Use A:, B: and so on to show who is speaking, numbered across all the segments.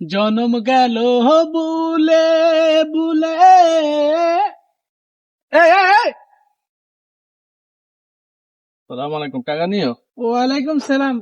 A: জনম গেল বুলে বুলে।
B: সালাম আলাইকুম কাকা নিও
A: ওয়ালাইকুম সালাম।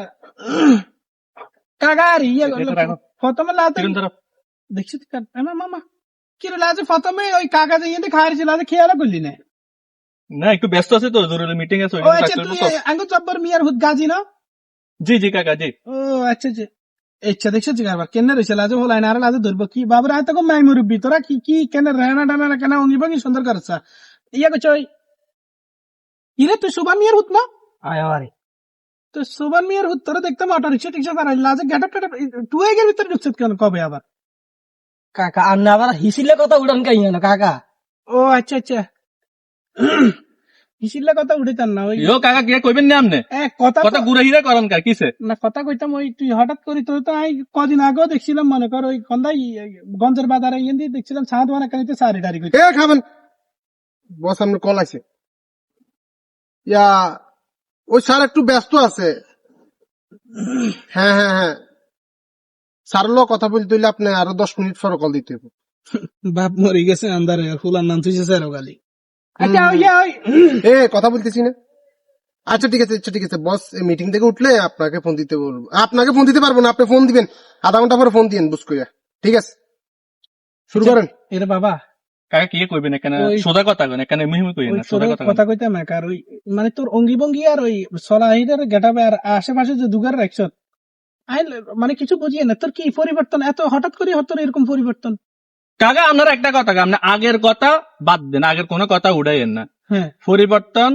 A: কাগারি প্রথমে লাতে দেখছি মামা কি লাজে প্রথমে ওই কাকা যে খাওয়ার ছিল খেয়াল করলি না?
B: না একটু ব্যস্ত আছে তো, জরুরি মিটিং আছে।
A: ও আচ্ছা, তুই আঙ্গু জব্বর মিয়ার হুদ গাজি না?
B: জি জি কাকা জি।
A: ও আচ্ছা আচ্ছা আচ্ছা, দেখছো কারবার কেন রয়েছে লাজে হলাই না আর লাজে ধরবো কি বাবুরা হয়তো মাই মুরব্বী, তোরা কি কি কেন রেনা ডানা কেন অঙ্গি ভঙ্গি সুন্দর করছ করছো ইরে তুই সুবান মিয়ার হুদ না?
C: আরে
A: তো সুবান মিয়ার হুদ তোরা দেখতাম অটো রিক্সা টিক্সা দাঁড়াই লাজে গেটআপ টেটআপ টু এগের ভিতরে ঢুকছে কেন কবে আবার?
C: কাকা আপনি আবার হিসিলে কথা উড়ান কাই না কাকা?
A: ও আচ্ছা আচ্ছা হিসিল্লা কথা উঠেতাম না ওই
B: কাকা কে কইবেন না আপনি কথা গুড়া হিরা করেন কা কিসে
A: না কথা কইতাম ওই তুই হঠাৎ করি তোর তো আমি কদিন আগেও দেখছিলাম মনে কর ওই কন্দাই গঞ্জের বাজারে ইয়ে দিয়ে দেখছিলাম ছাদ বানা কানিতে সারি টারি কইতে
D: খাবেন বস আপনার কল আছে ওই স্যার একটু ব্যস্ত আছে। হ্যাঁ হ্যাঁ হ্যাঁ স্যার কথা বলতে হইলে আপনি আরো 10 মিনিট পরে কল দিতে হবে।
A: বাপ মরে গেছে আন্দারে ফুলার নাম তুই স্যারও গালি
D: কথা বলতেছি না। আচ্ছা ঠিক আছে আচ্ছা ঠিক আছে বস মিটিং থেকে উঠলে আপনাকে ফোন দিতে বলবো। আপনাকে ফোন দিতে পারবো না, আপনি ফোন দিবেন আধা ঘন্টা পরে ফোন দিবেন বুঝ কইয়া। ঠিক আছে শুরু করেন।
A: এরে বাবা
B: কাকা কি কইবেন এখানে সোজা কথা কইন, এখানে মুহিম কইন না, সোজা
A: কথা কইতাম না কার ওই মানে তোর অঙ্গি ভঙ্গি আর ওই সলাহিদের গেটাবে আর আশেপাশে যে দুগার রাখছ মানে কিছু বুঝিয়ে না তোর কি পরিবর্তন এত হঠাৎ করে তোর এরকম পরিবর্তন?
B: কাকা আপনার একটা কথা, আপনি আগের কথা বাদ দেন, আগের কোনো কথা উড়াইয়েন না।
A: হ্যাঁ
B: পরিবর্তন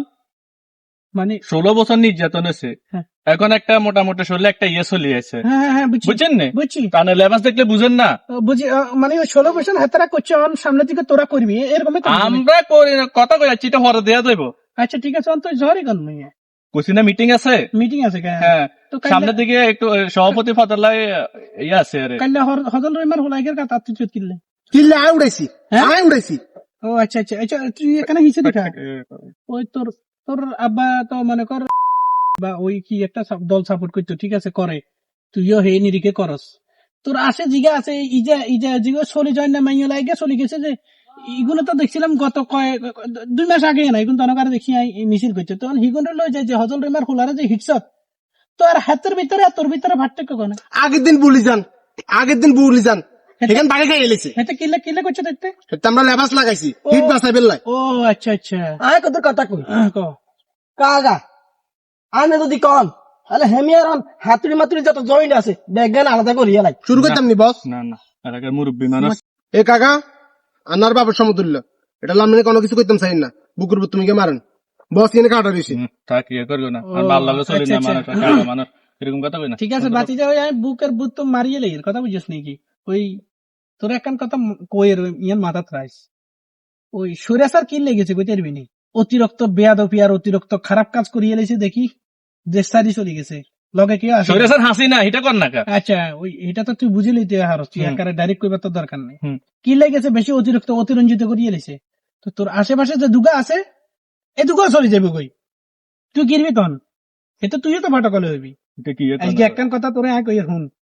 A: মানে
B: 16 বছর নির্যাতন আছে, এখন একটা মোটামুটি শরীরে একটা ইয়ে চলিয়েছে।
A: হ্যাঁ
B: বুঝছেন না?
A: বুঝছি
B: কারণ লেবাস দেখলে বুঝেন না।
A: বুঝি মানে ওই 16 বছর হাতারা করছে সামনের দিকে তোরা করবি এরকম
B: আমরা করি না, কথা কই যাচ্ছি, এটা হরে দেয়া যাইব।
A: আচ্ছা ঠিক আছে অন্তত ঝড়ই গন নিয়ে
B: কুসিনা মিটিং আছে হ্যাঁ সামনের দিকে একটু সভাপতি ফতলাই ইয়ে আছে আরে
A: কাল্লা হজল রইমার হলাইগের কথা তুই কিনলে
D: কিল্লে আয় উড়াইছি আয় উড়াইছি।
A: ও আচ্ছা আচ্ছা আচ্ছা তুই এখানে হিসে দেখা ওই তোর তোর আব্বা তো মনে কর বা ওই কি একটা দল সাপোর্ট করতো ঠিক আছে করে তুইও হে নিরিখে করস তোর আসে জিগা আছে ইজা ইজা জিগা চলি যায় না মাইয়া লাগে চলি গেছে যে ইগুলো তো দেখছিলাম গত 2 মাস আগে না এখন তনকার দেখি মিছিল করছে তখন হিগুন লই যায় যে হজল রিমার খোলারে যে হিটসত তো আর হাতের ভিতরে তোর ভিতরে পার্থক্য কোন?
D: আগের দিন বুলি যান এখান বাগে খাই এলেছে
A: এটা কিলে কিলে করছে দেখতে
D: আমরা লেবাস লাগাইছি হিট বাসাই বেললাই।
A: ও আচ্ছা আচ্ছা
C: আয় কত কথা কই কাকা আনে যদি কন তাহলে হেমিয়ার হাতুড়ি মাতুড়ি যত জয়েন্ট আছে ব্যাগগান আলাদা করিয়া লাই
D: শুরু করতাম নি বস।
B: না না এলাকার মুরব্বী মানুষ।
D: এ কাকা আনার বাবার সমতুল্য এটা লামিনে কোনো কিছু করতাম চাই না বুকুর বুক তুমি কে মারেন বস এনে কাটা দিছি
B: থাক ইয়ে করবো না আর ভালো লাগে চলি না মানুষ কাকা মানুষ এরকম কথা কই না।
A: ঠিক আছে বাতি যাও আমি বুকের বুক তো মারিয়ে লাই কথা বুঝিস নাকি ওই তোর একখান কথা কইয়ের ইয়ান মাথাত রাইস ওই সুরেশার কি লেগেছে কইতে পারবি নি অতিরিক্ত বেয়াদবি আর অতিরিক্ত খারাপ কাজ করিয়ে লেছে দেখি দেশ সারি চলে গেছে লগে কি আছে
B: সুরেশার হাসি না এটা কর না কা।
A: আচ্ছা ওই এটা তো তুই বুঝে লইতে হারস তুই একারে ডাইরেক্ট কইবার তো দরকার নেই কি লেগেছে বেশি অতিরিক্ত অতিরঞ্জিত করিয়ে লেছে তো তোর আশেপাশে যে দুগা আছে এই দুগা চলে যাবে কই তুই গিরবি তখন এটা তুইও তো ভাটকলে হইবি।
B: এটা কি
A: আজকে একখান কথা তোরে আয় কই শুন